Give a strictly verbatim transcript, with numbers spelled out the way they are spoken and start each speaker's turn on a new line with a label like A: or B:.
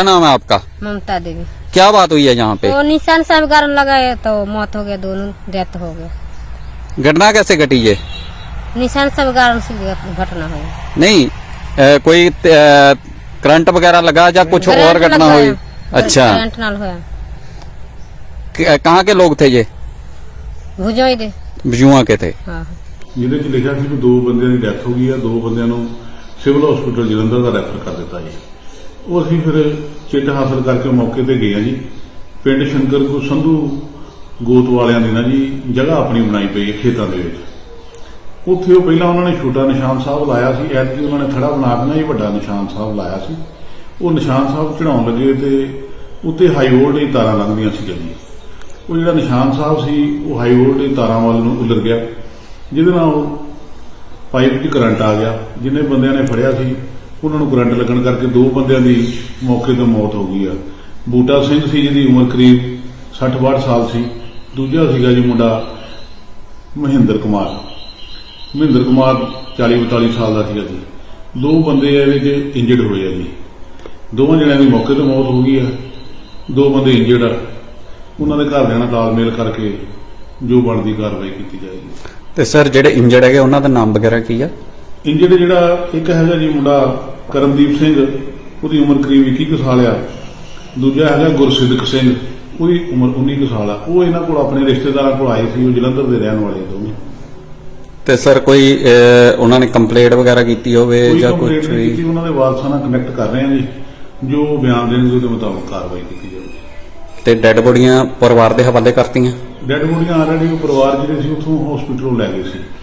A: क्या नाम है आपका?
B: ममता देवी।
A: क्या बात हुई है यहाँ पे?
B: वो निशान साहब गार्ड लगाए तो मौत हो गया, दोनों डेथ हो गया।
A: घटना कैसे घटी ये?
B: निशान साहब गार्ड से घटना हुई।
A: नहीं ए, कोई ए, करंट वगैरह लगा या कुछ और घटना हुई? अच्छा,
B: करंट नाल होया।
A: क- कहाँ के लोग थे ये?
B: भुजोई दे।
A: जुआ के थे।
B: हाँ।
C: ਜਿਹਦੇ ਚ ਲਿਖਿਆ ਸੀ ਕਿ ਦੋ ਬੰਦਿਆਂ ਦੀ ਡੈਥ ਹੋ ਗਈ ਆ, ਦੋ ਬੰਦਿਆਂ ਨੂੰ ਸਿਵਲ ਹਸਪੀਟਲ ਜਲੰਧਰ ਦਾ ਰੈਫਰ ਕਰ ਦਿੱਤਾ ਜੀ। ਉਹ ਅਸੀਂ ਫਿਰ ਚਿੱਟ ਹਾਸਲ ਕਰਕੇ ਮੌਕੇ ਤੇ ਗਏ ਆ ਜੀ। ਪਿੰਡ ਸ਼ੰਕਰਪੁਰ ਸੰਧੂ ਗੋਤ ਵਾਲਿਆਂ ਦੀ ਨਾ ਜੀ ਜਗ੍ਹਾ ਆਪਣੀ ਬਣਾਈ ਪਈ ਹੈ ਖੇਤਾਂ ਦੇ ਵਿੱਚ। ਉੱਥੇ ਉਹ ਪਹਿਲਾਂ ਉਹਨਾਂ ਨੇ ਛੋਟਾ ਨਿਸ਼ਾਨ ਸਾਹਿਬ ਲਾਇਆ ਸੀ, ਐਤਕੀ ਉਹਨਾਂ ਨੇ ਥੜਾ ਬਣਾ ਕੇ ਨਾ ਜੀ ਵੱਡਾ ਨਿਸ਼ਾਨ ਸਾਹਿਬ ਲਾਇਆ ਸੀ। ਉਹ ਨਿਸ਼ਾਨ ਸਾਹਿਬ ਚੜਾਉਣ ਲੱਗੇ ਤੇ ਉੱਤੇ ਹਾਈ ਵੋਲਟੇਜ ਤਾਰਾਂ ਲੰਘਦੀਆਂ ਸੀ ਜੀ। ਉਹ ਜਿਹੜਾ ਨਿਸ਼ਾਨ ਸਾਹਿਬ ਸੀ ਉਹ ਹਾਈ ਵੋਲਟੇਜ ਤਾਰਾਂ ਵੱਲ ਨੂੰ ਉਲਰ ਗਿਆ, ਜਿਹਦੇ ਨਾਲ ਉਹ ਪਾਈਪ 'ਚ ਕਰੰਟ ਆ ਗਿਆ। ਜਿੰਨੇ ਬੰਦਿਆਂ ਨੇ ਫੜਿਆ ਸੀ ਉਹਨਾਂ ਨੂੰ ਕਰੰਟ ਲੱਗਣ ਕਰਕੇ ਦੋ ਬੰਦਿਆਂ ਦੀ ਮੌਕੇ ਤੇ ਮੌਤ ਹੋ ਗਈ ਆ। ਬੂਟਾ ਸਿੰਘ ਸੀ ਜਿਹਦੀ ਉਮਰ ਕਰੀਬ ਸੱਠ ਬਾਹਠ ਸਾਲ ਸੀ। ਦੂਜਾ ਸੀਗਾ ਜੀ ਮੁੰਡਾ ਮਹਿੰਦਰ ਕੁਮਾਰ ਮਹਿੰਦਰ ਕੁਮਾਰ ਚਾਲੀ ਬਤਾਲੀ ਸਾਲ ਦਾ ਸੀਗਾ ਜੀ। ਦੋ ਬੰਦੇ ਇਹਦੇ 'ਚ ਇੰਜਰਡ ਹੋਏ ਆ ਜੀ। ਦੋਵਾਂ ਜਣਿਆਂ ਦੀ ਮੌਕੇ ਤੇ ਮੌਤ ਹੋ ਗਈ ਆ, ਦੋ ਬੰਦੇ ਇੰਜਰਡ ਆ। ਉਹਨਾਂ ਦੇ ਘਰਦਿਆਂ ਨਾਲ ਤਾਲਮੇਲ ਕਰਕੇ ਜੋ ਬਣਦੀ ਕਾਰਵਾਈ ਕੀਤੀ ਜਾਏਗੀ।
A: ਤੇ ਸਰ ਜਿਹੜੇ ਇੰਜਰਡ ਹੈਗੇ ਉਹਨਾਂ ਦਾ ਨਾਮ ਵਗੈਰਾ ਕੀ ਆ?
C: ਇੰਜਰਡ ਜਿਹੜਾ ਇੱਕ ਹੈਗਾ ਜੀ ਮੁੰਡਾ ਕਰਮਦੀਪ ਸਿੰਘ, ਉਹਦੀ ਉਮਰ ਕਰੀਬ ਇੱਕੀ ਕੁ ਸਾਲ ਆ। ਦੂਜਾ ਹੈਗਾ ਗੁਰਸਿੱਧਕ ਸਿੰਘ, ਉਹਦੀ ਉਮਰ ਉੱਨੀ ਕੁ ਸਾਲ ਆ। ਉਹ ਇਹਨਾਂ ਕੋਲ ਆਪਣੇ ਰਿਸ਼ਤੇਦਾਰਾਂ ਕੋਲ ਆਏ ਸੀ, ਉਹ ਜਲੰਧਰ ਦੇ ਰਹਿਣ ਵਾਲੇ ਦੋਵੇਂ।
A: ਤੇ ਸਰ ਕੋਈ ਅਹ, ਉਹਨਾਂ ਨੇ ਕੰਪਲੇਂਟ ਵਗੈਰਾ ਕੀਤੀ ਹੋਵੇ
C: ਕੋਈ
A: ਜਾਂ ਕੁਝ
C: ਕੰਪਲੇਂਟ ਨਹੀਂ
A: ਵੀ?
C: ਕੀਤੀ, ਉਹਨਾਂ ਦੇ ਵਾਰਸਾਂ ਨਾਲ ਕਨੈਕਟ ਕਰ ਰਹੇ ਆ ਜੀ। ਜੋ ਬਿਆਨ ਦੇਣਗੇ ਉਹਦੇ ਮੁਤਾਬਕ ਕਾਰਵਾਈ ਕੀਤੀ ਜਾਵੇਗੀ।
A: ਤੇ ਡੈੱਡ ਬੋਡੀਆਂ ਪਰਿਵਾਰ ਦੇ ਹਵਾਲੇ ਕਰਤੀਆਂ?
C: ਡੈਡ ਬੋਡੀਆਂ ਆਲਰੇਡੀ ਉਹ ਪਰਿਵਾਰ ਜਿਹੜੇ ਸੀ ਉੱਥੋਂ ਹਸਪੀਟਲੋਂ ਲੈ ਗਏ ਸੀ।